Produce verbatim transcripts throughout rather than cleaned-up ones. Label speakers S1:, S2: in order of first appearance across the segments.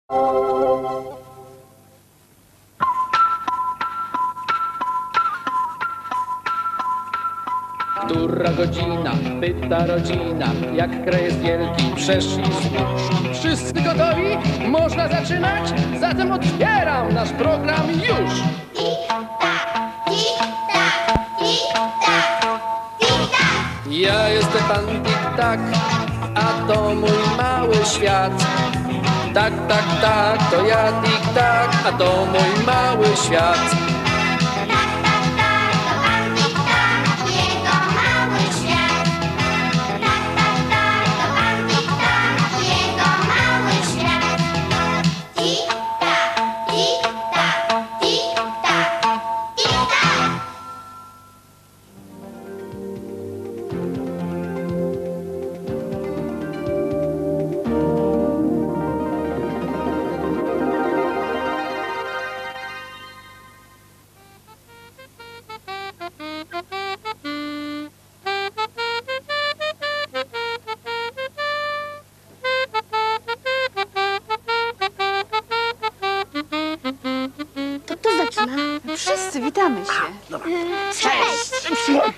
S1: Która godzina? Pyta rodzina. Jak kraj jest wielki, przeszli słuszni. Wszyscy gotowi? Można zaczynać? Zatem otwieram nasz program już! Ja jestem pan Tik-tak, a to mój mały świat. Tak, tak, tak, to ja Tik-tak, a to mój mały świat.
S2: Wszyscy witamy się.
S3: Cześć!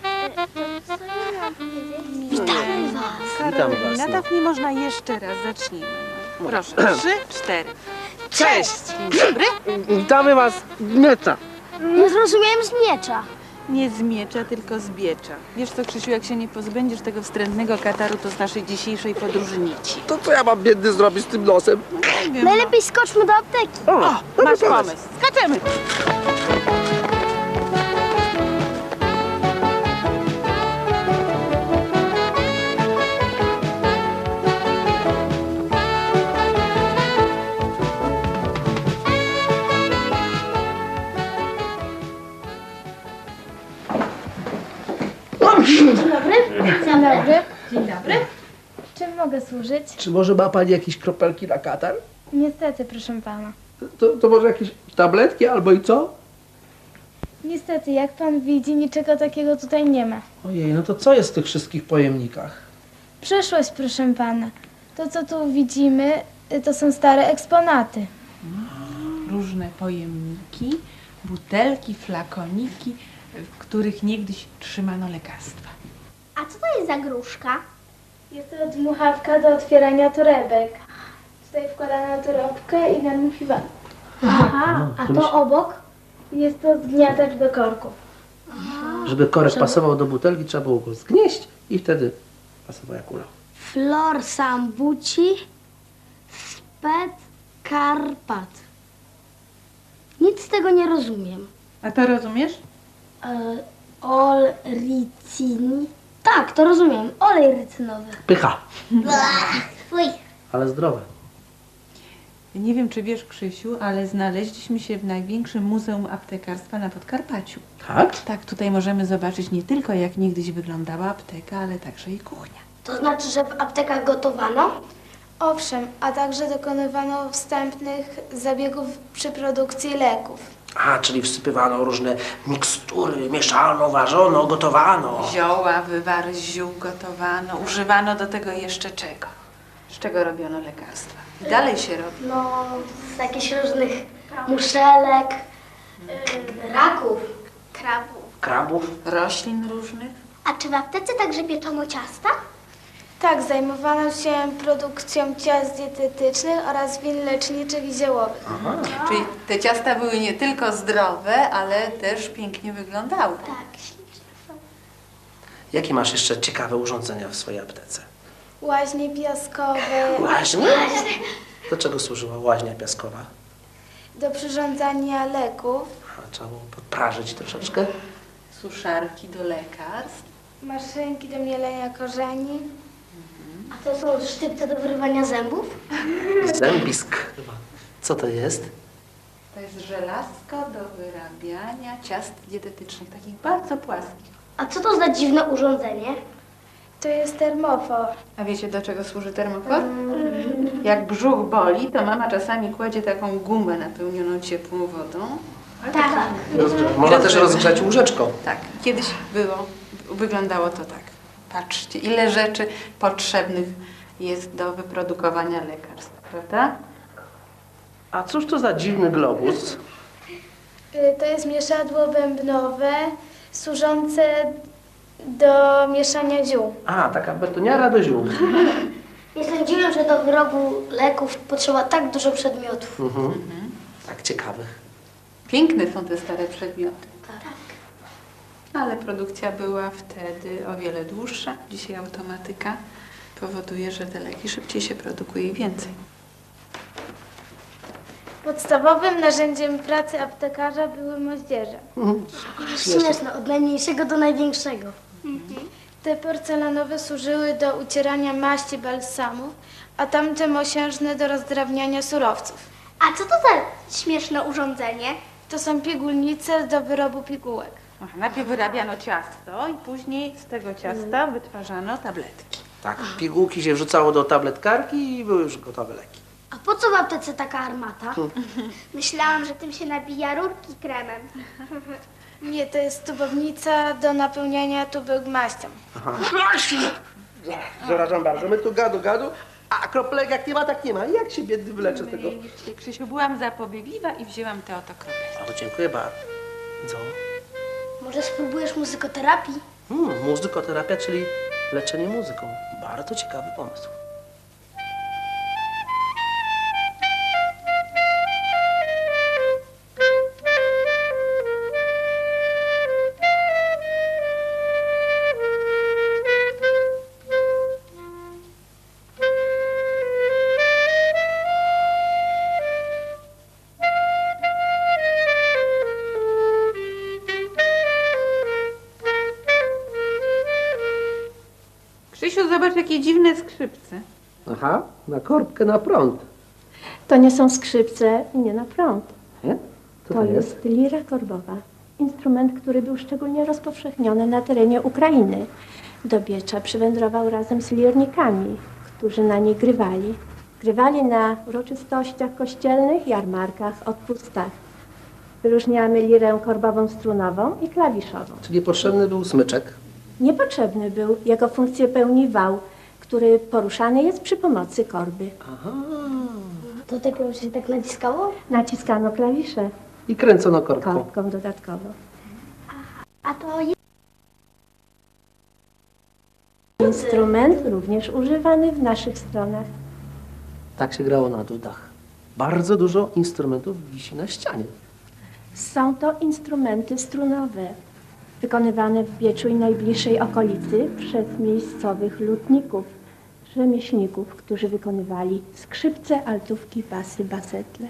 S3: Witamy was.
S2: Karolina, tak nie można jeszcze raz. Zacznijmy. Proszę, trzy, cztery.
S3: Cześć!
S2: Dzień dobry.
S4: Witamy was z miecza.
S3: Nie zrozumiałem z miecza.
S2: Nie z miecza, tylko z biecza. Wiesz co, Krzysiu, jak się nie pozbędziesz tego wstrętnego kataru, to z naszej dzisiejszej podróży nici.
S4: To co ja mam biedny zrobić z tym nosem?
S2: Nie wiem.
S3: Najlepiej skoczmy do apteki.
S4: O,
S2: O, masz pomysł. Skaczemy.
S3: Dzień dobry. Dzień dobry.
S5: Dzień dobry. Czym mogę służyć?
S4: Czy może ma pani jakieś kropelki na katar?
S5: Niestety, proszę pana.
S4: To, to może jakieś tabletki albo i co?
S5: Niestety, jak pan widzi, niczego takiego tutaj nie ma.
S4: Ojej, no to co jest w tych wszystkich pojemnikach?
S5: Przeszłość, proszę pana. To, co tu widzimy, y, to są stare eksponaty.
S2: Różne pojemniki, butelki, flakoniki, w których niegdyś trzymano lekarstwa.
S3: A co to jest za gruszka?
S5: Jest to dmuchawka do otwierania torebek. Tutaj wkładana torebkę i nadmuchiwana.
S3: Aha, a to obok?
S5: Jest to zgniatacz do korków.
S4: Żeby korek pasował do butelki, trzeba było go zgnieść i wtedy pasował jak ulał.
S3: Flor sambuci sped Karpat. Nic z tego nie rozumiem.
S2: A to rozumiesz?
S3: E, ol ricini. Tak, to rozumiem. Olej rycynowy.
S4: Pycha,
S3: Fuj.
S4: ale zdrowe.
S2: Nie wiem, czy wiesz, Krzysiu, ale znaleźliśmy się w największym muzeum aptekarstwa na Podkarpaciu.
S4: Tak?
S2: Tak, tutaj możemy zobaczyć nie tylko, jak niegdyś wyglądała apteka, ale także i kuchnia.
S3: To znaczy, że w aptekach gotowano?
S5: Owszem, a także dokonywano wstępnych zabiegów przy produkcji leków.
S4: A, czyli wsypywano różne mikstury, mieszano, ważono, gotowano.
S2: Zioła, wywary z ziół gotowano, używano do tego jeszcze czego? Z czego robiono lekarstwa? I dalej się robi.
S3: No, z jakichś różnych muszelek, y, raków, krabów.
S4: Krabów.
S2: Roślin różnych.
S3: A czy w aptece także pieczono ciasta?
S5: Tak, zajmowano się produkcją ciast dietetycznych oraz win leczniczych i ziołowych.
S2: Czyli te ciasta były nie tylko zdrowe, ale też pięknie wyglądały.
S3: Tak, śliczne są.
S4: Jakie masz jeszcze ciekawe urządzenia w swojej aptece?
S5: Łaźnie piaskowe,
S4: Łaźnie? Do czego służyła łaźnia piaskowa?
S5: do przyrządzania leków,
S4: A, trzeba było podprażyć troszeczkę.
S2: Suszarki do lekarstw.
S5: maszynki do mielenia korzeni.
S3: A to są sztypce do wyrywania zębów?
S4: Zębisk. Co to jest?
S2: To jest żelazko do wyrabiania ciast dietetycznych, takich bardzo płaskich.
S3: A co to za dziwne urządzenie?
S5: To jest termofor.
S2: A wiecie, do czego służy termofor? Jak brzuch boli, to mama czasami kładzie taką gumę napełnioną ciepłą wodą.
S3: Tak.
S4: Można też rozgrzać łóżeczką.
S2: Tak, kiedyś było, wyglądało to tak. Patrzcie, ile rzeczy potrzebnych jest do wyprodukowania lekarstw, prawda?
S4: A cóż to za dziwny globus?
S5: Y, To jest mieszadło bębnowe służące do mieszania ziół.
S4: A, taka betoniara do ziół.
S3: Nie sądziłem, że do wyrobu leków potrzeba tak dużo przedmiotów.
S4: Mhm. Tak ciekawych.
S2: Piękne są te stare przedmioty.
S3: Tak.
S2: Ale produkcja była wtedy o wiele dłuższa. Dzisiaj automatyka powoduje, że te leki szybciej się produkuje i więcej.
S5: Podstawowym narzędziem pracy aptekarza były moździerze.
S3: Śmieszne, od najmniejszego do największego.
S5: Te porcelanowe służyły do ucierania maści balsamów, a tamte mosiężne do rozdrabniania surowców.
S3: A co to za śmieszne urządzenie?
S5: To są pigułnice do wyrobu pigułek.
S2: Aha, najpierw wyrabiano ciasto i później z tego ciasta wytwarzano tabletki.
S4: Tak, pigułki się wrzucało do tabletkarki i były już gotowe leki.
S3: A po co w aptece taka armata? Myślałam, że tym się nabija rurki kremem.
S5: Nie, to jest tubownica do napełniania tubek maścią.
S4: Przepraszam bardzo, my tu gadu, gadu, a kroplek jak nie ma, tak nie ma. Jak się biedny wyleczy z tego?
S2: Widzicie, Krzysiu, byłam zapobiegliwa i wzięłam te oto kropelki.
S4: O, dziękuję bardzo. Co?
S3: Może spróbujesz muzykoterapii?
S4: Hmm, muzykoterapia, czyli leczenie muzyką. Bardzo ciekawy pomysł.
S2: Krzysiu, zobacz, jakie dziwne skrzypce.
S4: Aha, na korbkę na prąd.
S6: To nie są skrzypce i nie na prąd.
S4: Nie? Co
S6: To jest lira korbowa. Instrument, który był szczególnie rozpowszechniony na terenie Ukrainy. Do Biecza przywędrował razem z lirnikami, którzy na niej grywali. Grywali na uroczystościach kościelnych, jarmarkach, odpustach. Wyróżniamy lirę korbową strunową i klawiszową.
S4: Czyli potrzebny był smyczek.
S6: Niepotrzebny był, jego funkcję pełni wał, który poruszany jest przy pomocy korby.
S4: Aha.
S3: Do tego się tak naciskało?
S6: Naciskano klawisze
S4: I kręcono korbką.
S6: korbką dodatkowo.
S3: A to jest...
S6: Instrument również używany w naszych stronach.
S4: Tak się grało na dudach. Bardzo dużo instrumentów wisi na ścianie.
S6: Są to instrumenty strunowe, wykonywane w Bieczu i najbliższej okolicy przez miejscowych lutników, rzemieślników, którzy wykonywali skrzypce, altówki, basy, basetle.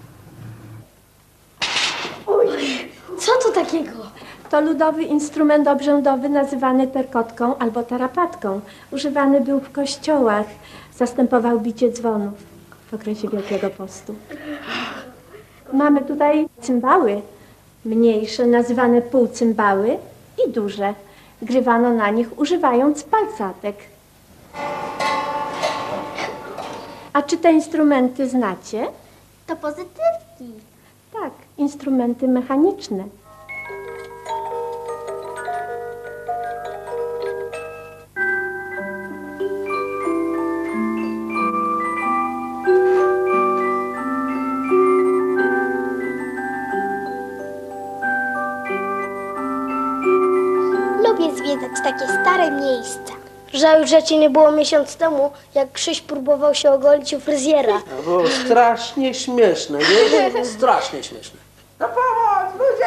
S3: Co to takiego?
S6: To ludowy instrument obrzędowy nazywany terkotką albo tarapatką. Używany był w kościołach, zastępował bicie dzwonów w okresie Wielkiego Postu. Mamy tutaj cymbały, mniejsze, nazywane półcymbały i duże. Grywano na nich używając palcatek. A czy te instrumenty znacie?
S3: To pozytywki.
S6: Tak, instrumenty mechaniczne.
S3: Lubię zwiedzać takie stare miejsca. Żałuję, że cię nie było miesiąc temu, jak Krzyś próbował się ogolić u fryzjera.
S4: To było strasznie śmieszne, nie? Strasznie śmieszne. Na pomoc, ludzie!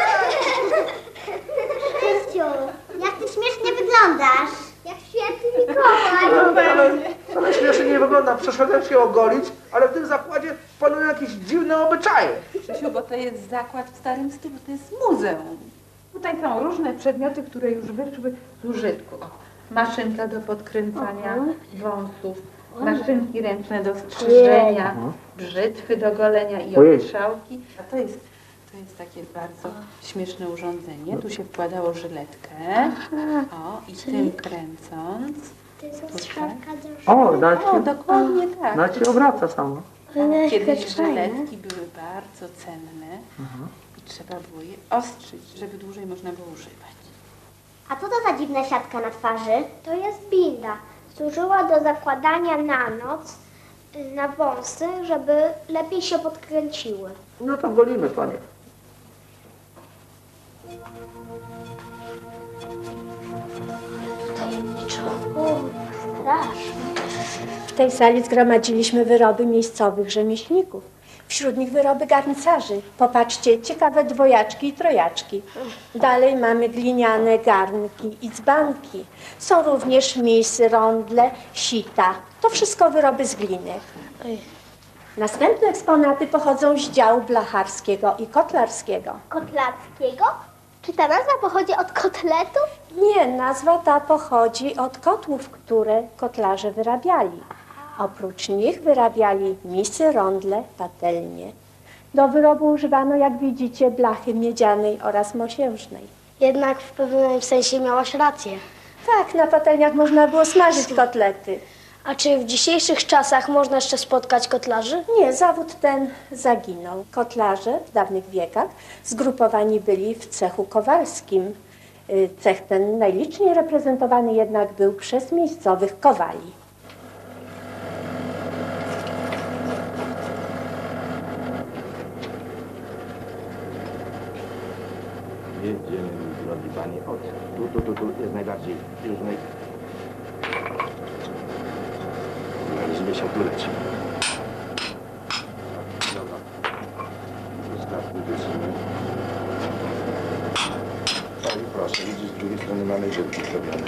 S3: Krzysiu, jak ty śmiesznie wyglądasz. Jak święty Mikołaj.
S4: Ale, ale śmiesznie nie wygląda. Przeszedłem się ogolić, ale w tym zakładzie panują jakieś dziwne obyczaje.
S2: Krzysiu, bo to jest zakład w starym stylu, to jest muzeum. Tutaj są różne przedmioty, które już wyszły z użytku. O, maszynka do podkręcania wąsów, maszynki ręczne do strzyżenia, brzytwy do golenia i
S4: Ojej.
S2: ostrzałki. A to jest, to jest takie bardzo śmieszne urządzenie. Tu się wkładało żyletkę. O, i tym kręcąc.
S3: To jest strzałka do
S4: O,
S2: O, dokładnie tak.
S4: na się obraca samo.
S2: Kiedyś żyletki były bardzo cenne i trzeba było je ostrzyć, żeby dłużej można było używać.
S7: A co to za dziwna siatka na twarzy? To jest binda. Służyła do zakładania na noc
S3: Na wąsy, żeby lepiej się podkręciły.
S4: No to golimy, panie.
S3: Tajemniczo. O, strasznie.
S6: W tej sali zgromadziliśmy wyroby miejscowych rzemieślników. Wśród nich wyroby garncarzy. Popatrzcie, ciekawe dwojaczki i trojaczki. Dalej mamy gliniane garnki i dzbanki. Są również misy, rondle, sita. To wszystko wyroby z gliny. Następne eksponaty pochodzą z działu blacharskiego i kotlarskiego.
S3: Kotlarskiego? Czy ta nazwa pochodzi od kotletów?
S6: Nie, nazwa ta pochodzi od kotłów, które kotlarze wyrabiali. Oprócz nich wyrabiali misy, rondle, patelnie. Do wyrobu używano, jak widzicie, blachy miedzianej oraz mosiężnej.
S3: Jednak w pewnym sensie miałaś rację.
S6: Tak, na patelniach można było smażyć kotlety.
S3: A czy w dzisiejszych czasach można jeszcze spotkać kotlarzy?
S6: Nie, zawód ten zaginął. Kotlarze w dawnych wiekach zgrupowani byli w cechu kowalskim. Y, Cech ten najliczniej reprezentowany jednak był przez miejscowych kowali.
S8: Jedziemy, drogi panie, od tu, tu, tu, tu jest najbardziej już naj... Znaleźliśmy się tu leci. Dobra. Zostawmy wysunę. No i proszę, widzisz, z drugiej strony mamy żywki zrobione.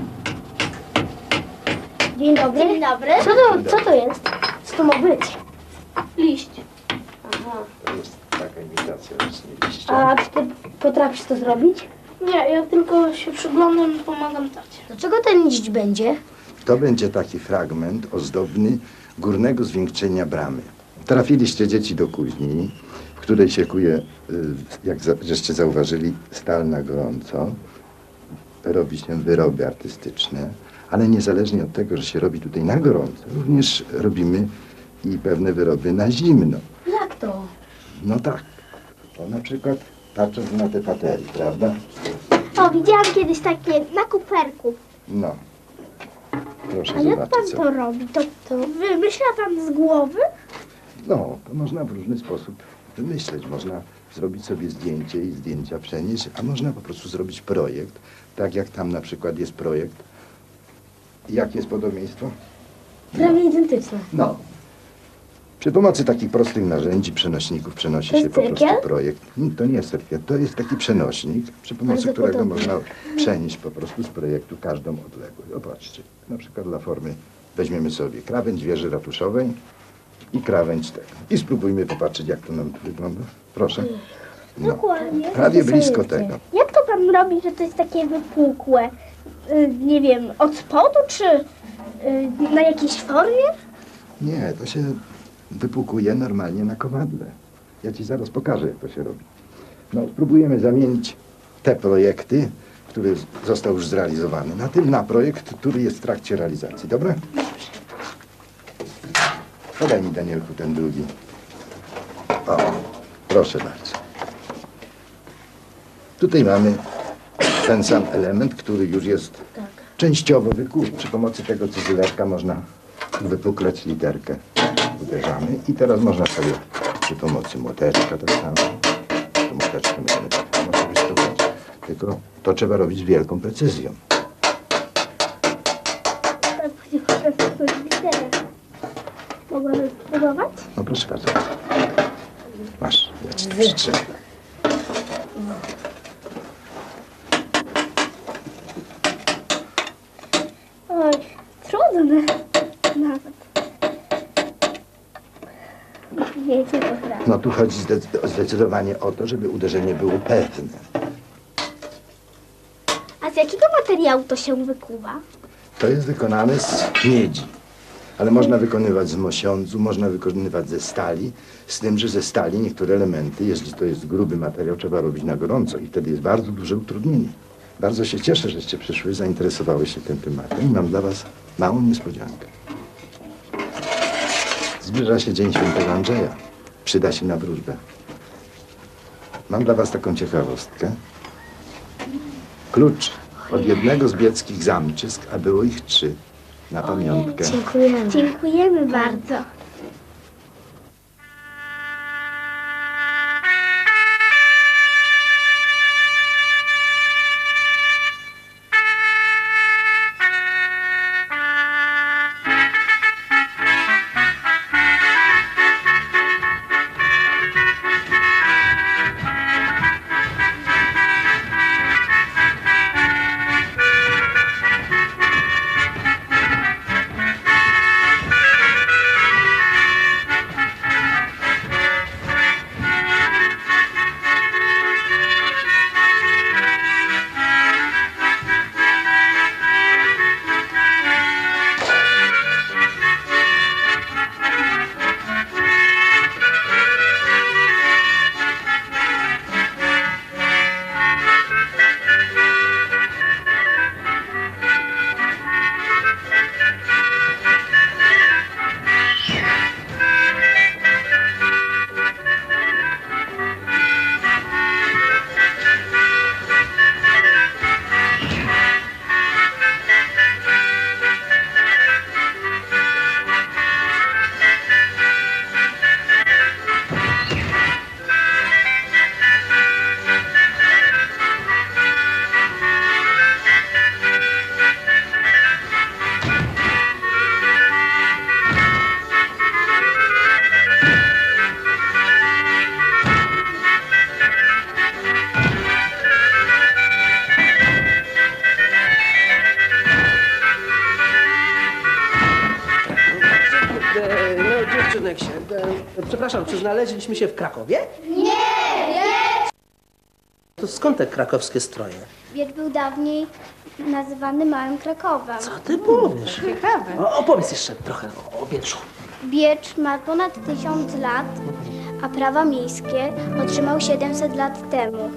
S3: Dzień dobry. Dzień dobry. Co to, co to jest? Co to ma być? Liść. Aha.
S8: To jest taka imitacja właśnie liścia.
S3: A czy ty potrafisz to zrobić?
S9: Nie, ja tylko się przyglądam i pomagam tacie.
S3: Do czego ten liść będzie?
S8: To będzie taki fragment ozdobny górnego zwieńczenia bramy. Trafiliście dzieci do kuźni, w której się kuje, y, jak za, żeście zauważyli, stal na gorąco. Robi się wyroby artystyczne, ale niezależnie od tego, że się robi tutaj na gorąco, również robimy i pewne wyroby na zimno.
S3: Jak to?
S8: No tak, to na przykład patrząc na te patelnie, prawda?
S3: O, widziałam kiedyś takie na kuperku.
S8: No, proszę
S3: A jak
S8: zobaczyć.
S3: pan
S8: co-
S3: to robi? To, to wymyśla pan z głowy?
S8: No, to można w różny sposób wymyśleć. Można zrobić sobie zdjęcie i zdjęcia przenieść, a można po prostu zrobić projekt. Tak jak tam na przykład jest projekt. Jakie jest podobieństwo?
S3: Prawie identyczne.
S8: No. Przy pomocy takich prostych narzędzi, przenośników przenosi
S3: To
S8: się
S3: jest
S8: po prostu
S3: cyrkiel?
S8: projekt. Nie, to nie jest cerkiel, to jest taki przenośnik, przy pomocy
S3: Bardzo
S8: którego
S3: podobny.
S8: można przenieść po prostu z projektu każdą odległość. Zobaczcie, na przykład dla formy weźmiemy sobie krawędź wieży ratuszowej i krawędź tego. I spróbujmy popatrzeć, jak to nam tu wygląda. Proszę. No,
S3: Dokładnie.
S8: prawie blisko tego.
S3: Jak to pan robi, że to jest takie wypukłe? Y, nie wiem, od spodu czy y, na jakiejś formie?
S8: Nie, to się wypłukuje normalnie na kowadle. Ja ci zaraz pokażę, jak to się robi. No, spróbujemy zamienić te projekty, który z- został już zrealizowany, na tym na projekt, który jest w trakcie realizacji. Dobra? Podaj mi, Danielku, ten drugi. O, proszę bardzo. Tutaj mamy ten sam element, który już jest częściowo wykuty. Przy pomocy tego cyzylerka można wypuklać literkę. Uderzamy i teraz można sobie przy pomocy młoteczka tak samo. To młoteczkę możemy tak samo sobie stosować. Tylko to trzeba robić z wielką precyzją.
S3: Mogłabym spróbować?
S8: No proszę bardzo. Masz, ja ci to przytrzymam.
S3: Oj, trudne nawet. Wiecie, to prawda.
S8: No tu chodzi zdec- zdecydowanie o to, żeby uderzenie było pewne.
S3: A z jakiego materiału to się wykuwa?
S8: To jest wykonane z miedzi. Ale można wykonywać z mosiądzu, można wykonywać ze stali, z tym, że ze stali niektóre elementy, jeśli to jest gruby materiał, trzeba robić na gorąco i wtedy jest bardzo duże utrudnienie. Bardzo się cieszę, żeście przyszły, zainteresowały się tym tematem i mam dla was małą niespodziankę. Zbliża się Dzień Świętego Andrzeja. Przyda się na wróżbę. Mam dla was taką ciekawostkę. Klucz od jednego z bieckich zamczysk, a było ich trzy, na pamiątkę.
S3: Dziękujemy. Dziękujemy bardzo.
S4: Dziewczynek się. E, przepraszam, czy znaleźliśmy się w Krakowie?
S3: Nie, nie!
S4: To skąd te krakowskie stroje?
S3: Biecz był dawniej nazywany Małym Krakowem.
S4: Co ty powiesz?
S2: Ciekawe.
S4: O, opowiedz jeszcze trochę o, o Bieczu.
S3: Biecz ma ponad tysiąc lat, a prawa miejskie otrzymał siedemset lat temu.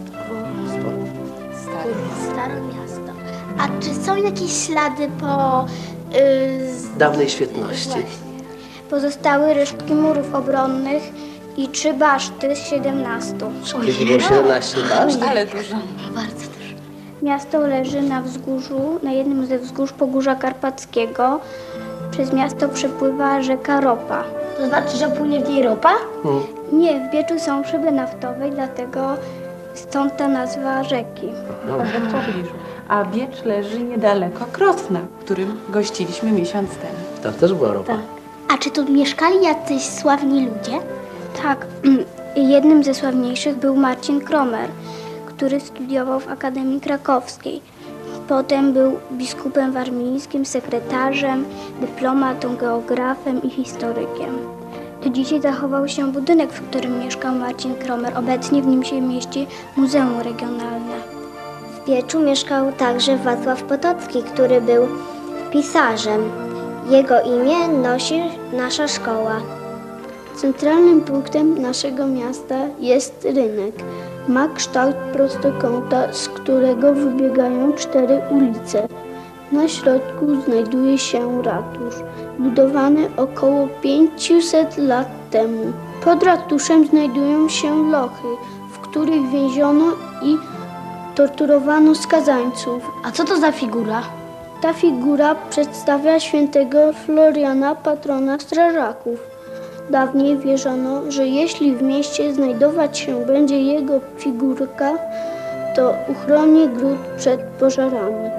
S4: Sporo.
S3: Stare miasto. A czy są jakieś ślady po... Yy, z...
S4: Dawnej świetności.
S3: Pozostały resztki murów obronnych i trzy baszty z siedemnastu.
S4: Kiedyś było siedemnaście baszt?
S2: Ale dużo.
S3: Bardzo dużo. Miasto leży na wzgórzu, na jednym ze wzgórz Pogórza Karpackiego. Przez miasto przepływa rzeka Ropa.
S7: To znaczy, że płynie w niej ropa?
S4: Hmm.
S3: Nie, w Bieczu są szyby naftowe, dlatego stąd ta nazwa rzeki.
S2: W pobliżu. A Biecz leży niedaleko Krosna, w którym gościliśmy miesiąc temu.
S4: Tam też była ropa.
S3: A czy tu mieszkali jacyś sławni ludzie? Tak. Jednym ze sławniejszych był Marcin Kromer, który studiował w Akademii Krakowskiej. Potem był biskupem warmińskim, sekretarzem, dyplomatą, geografem i historykiem. Do dzisiaj zachował się budynek, w którym mieszkał Marcin Kromer. Obecnie w nim się mieści Muzeum Regionalne.
S7: W Bieczu mieszkał także Wacław Potocki, który był pisarzem. Jego imię nosi nasza szkoła.
S9: Centralnym punktem naszego miasta jest rynek. Ma kształt prostokąta, z którego wybiegają cztery ulice. Na środku znajduje się ratusz, budowany około pięćset lat temu. Pod ratuszem znajdują się lochy, w których więziono i torturowano skazańców.
S7: A co to za figura?
S9: Ta figura przedstawia świętego Floriana, patrona strażaków. Dawniej wierzono, że jeśli w mieście znajdować się będzie jego figurka, to uchroni gród przed pożarami.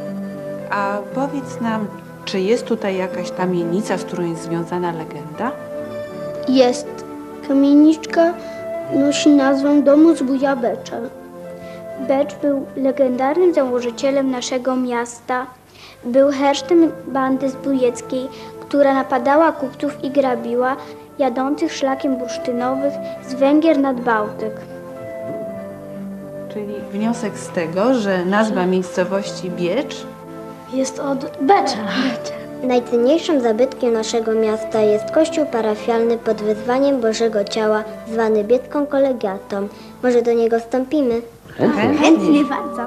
S2: A powiedz nam, czy jest tutaj jakaś kamienica, z którą jest związana legenda?
S9: Jest. Kamieniczka nosi nazwę Domu Zbója Becza.
S3: Becz był legendarnym założycielem naszego miasta. Był hersztem bandy zbójeckiej, która napadała kupców i grabiła jadących szlakiem bursztynowych z Węgier nad Bałtyk.
S2: Czyli wniosek z tego, że nazwa miejscowości Biecz
S7: Jest od Becza. Najcenniejszym zabytkiem naszego miasta jest kościół parafialny pod wezwaniem Bożego Ciała, zwany Biecką Kolegiatą. Może do niego wstąpimy?
S4: Chętnie.
S3: Chętnie bardzo.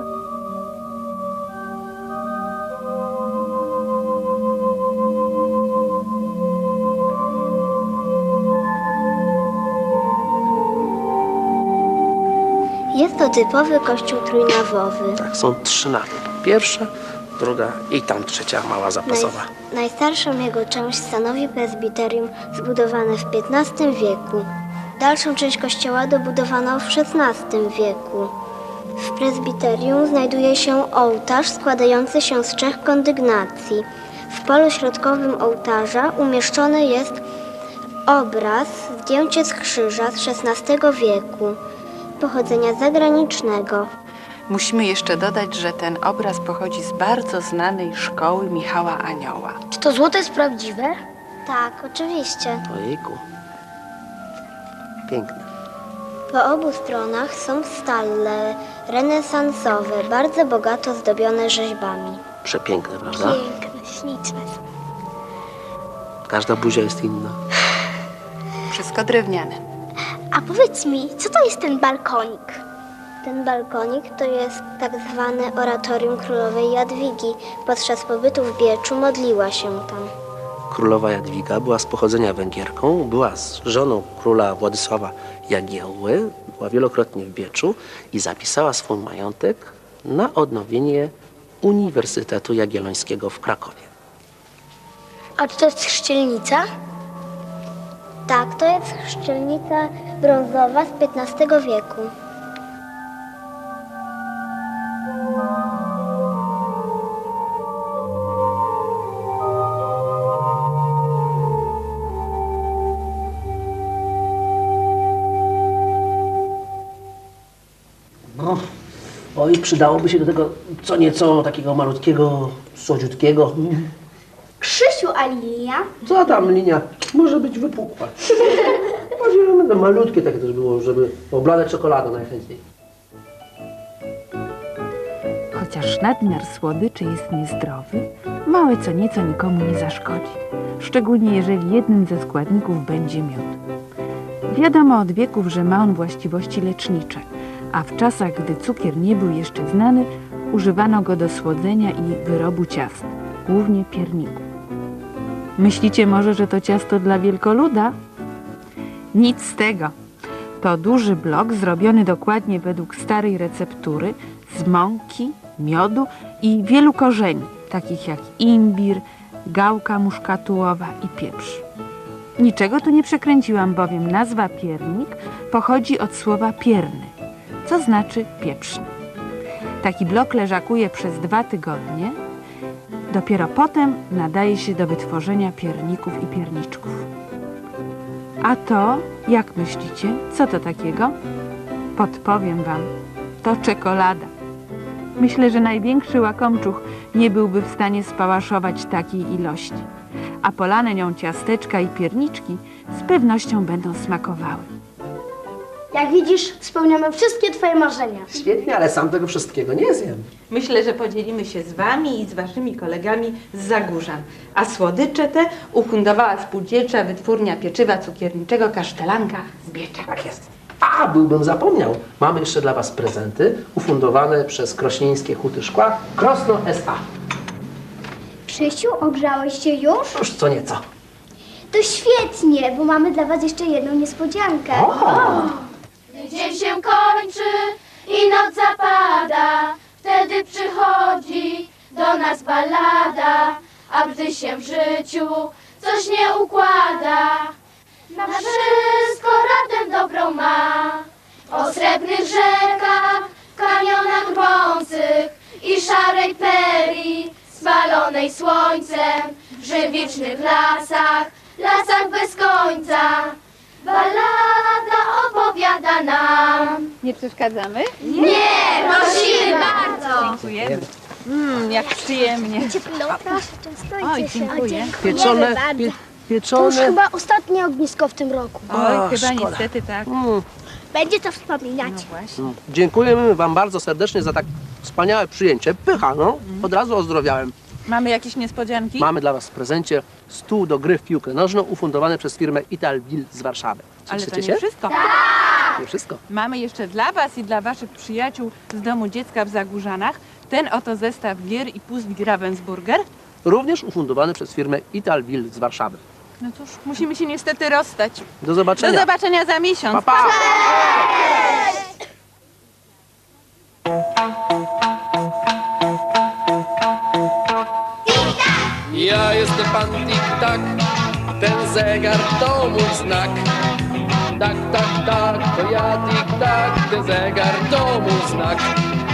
S7: Jest to typowy kościół trójnawowy.
S4: Tak, są trzy nawy. Pierwsza druga i tam trzecia mała zapasowa.
S7: Naj, najstarszą jego część stanowi prezbiterium zbudowane w piętnastym wieku. Dalszą część kościoła dobudowano w szesnastym wieku. W prezbiterium znajduje się ołtarz składający się z trzech kondygnacji. W polu środkowym ołtarza umieszczony jest obraz, zdjęcie z krzyża z szesnastego wieku, pochodzenia zagranicznego.
S2: Musimy jeszcze dodać, że ten obraz pochodzi z bardzo znanej szkoły Michała Anioła.
S9: Czy to złoto jest prawdziwe?
S7: Tak, oczywiście.
S4: Ojejku. Piękne.
S7: Po obu stronach są stale renesansowe, bardzo bogato zdobione rzeźbami.
S4: Przepiękne, prawda?
S7: Piękne, śliczne są.
S4: Każda buzia jest inna.
S2: Wszystko drewniane.
S9: A powiedz mi, co to jest ten balkonik?
S7: Ten balkonik to jest tak zwane oratorium królowej Jadwigi. Podczas pobytu w Bieczu modliła się tam.
S4: Królowa Jadwiga była z pochodzenia Węgierką, była z żoną króla Władysława Jagiełły, była wielokrotnie w Bieczu i zapisała swój majątek na odnowienie Uniwersytetu Jagiellońskiego w Krakowie.
S9: A czy to jest chrzcielnica?
S7: Tak, to jest chrzcielnica brązowa z piętnastego wieku.
S4: No, oj, przydałoby się do tego co nieco takiego malutkiego, słodziutkiego.
S9: Krzysiu, a lilia?
S4: Co tam, linia? Może być wypukła. Może będą malutkie takie też było, żeby oblane czekoladą najchętniej.
S10: Chociaż nadmiar słodyczy jest niezdrowy, małe co nieco nikomu nie zaszkodzi. Szczególnie jeżeli jednym ze składników będzie miód. Wiadomo od wieków, że ma on właściwości lecznicze, a w czasach, gdy cukier nie był jeszcze znany, używano go do słodzenia i wyrobu ciast, głównie pierników. Myślicie może, że to ciasto dla wielkoluda? Nic z tego. To duży blok zrobiony dokładnie według starej receptury z mąki, miodu i wielu korzeni, takich jak imbir, gałka muszkatułowa i pieprz. Niczego tu nie przekręciłam, bowiem nazwa piernik pochodzi od słowa pierny, co znaczy pieprzny. Taki blok leżakuje przez dwa tygodnie. Dopiero potem nadaje się do wytworzenia pierników i pierniczków. A to, jak myślicie, co to takiego? Podpowiem wam, to czekolada. Myślę, że największy łakomczuch nie byłby w stanie spałaszować takiej ilości, a polane nią ciasteczka i pierniczki z pewnością będą smakowały.
S9: Jak widzisz, spełniamy wszystkie twoje marzenia.
S4: Świetnie, ale sam tego wszystkiego nie zjem.
S2: Myślę, że podzielimy się z wami i z waszymi kolegami z Zagórzan. A słodycze te ufundowała Spółdzielcza Wytwórnia Pieczywa Cukierniczego Kasztelanka z Biecza.
S4: Tak jest. A, byłbym zapomniał. Mamy jeszcze dla was prezenty ufundowane przez Krośnieńskie Huty Szkła Krosno S A.
S9: Krzysiu, ogrzałeś się już?
S4: Już co nieco.
S9: To świetnie, bo mamy dla was jeszcze jedną niespodziankę.
S4: O!
S5: Dzień się kończy i noc zapada, wtedy przychodzi do nas ballada, a gdy się w życiu coś nie układa, na wszystko radę dobrą ma. O srebrnych rzekach, kanionach drwiących i szarej perii, spalonej słońcem, w żywicznych lasach, lasach bez końca. Ballada opowiada nam.
S2: Nie przeszkadzamy?
S5: Nie, prosimy bardzo.
S2: Dziękujemy. Mmm, jak przyjemnie.
S9: Ciepło, proszę, częstujcie
S2: Oj,
S9: się.
S2: dziękuję.
S4: Pieczone, pie,
S9: To już
S4: pieczone.
S9: chyba ostatnie ognisko w tym roku.
S2: Oj,
S4: O,
S2: chyba
S4: szkoda.
S2: niestety tak.
S4: Mm,
S9: Będzie to wspominać.
S2: No właśnie.
S4: dziękujemy wam bardzo serdecznie za tak wspaniałe przyjęcie. Pycha, no. Od razu ozdrowiałem.
S2: Mamy jakieś niespodzianki?
S4: Mamy dla was w prezencie stół do gry w piłkę nożną ufundowany przez firmę Italville z Warszawy.
S2: Ale to
S4: Cieszycie
S2: nie
S4: się?
S2: wszystko.
S4: Nie wszystko.
S2: Mamy jeszcze dla was i dla waszych przyjaciół z Domu Dziecka w Zagórzanach ten oto zestaw gier i puzli Ravensburger.
S4: Również ufundowany przez firmę Italville z Warszawy.
S2: No cóż, musimy się niestety rozstać.
S4: Do zobaczenia.
S2: Do zobaczenia za miesiąc.
S4: Pa, pa.
S5: Cześć!
S1: tak, ten zegar to mój znak. Tak, tak, tak, to ja tik tak, ten zegar to mój znak.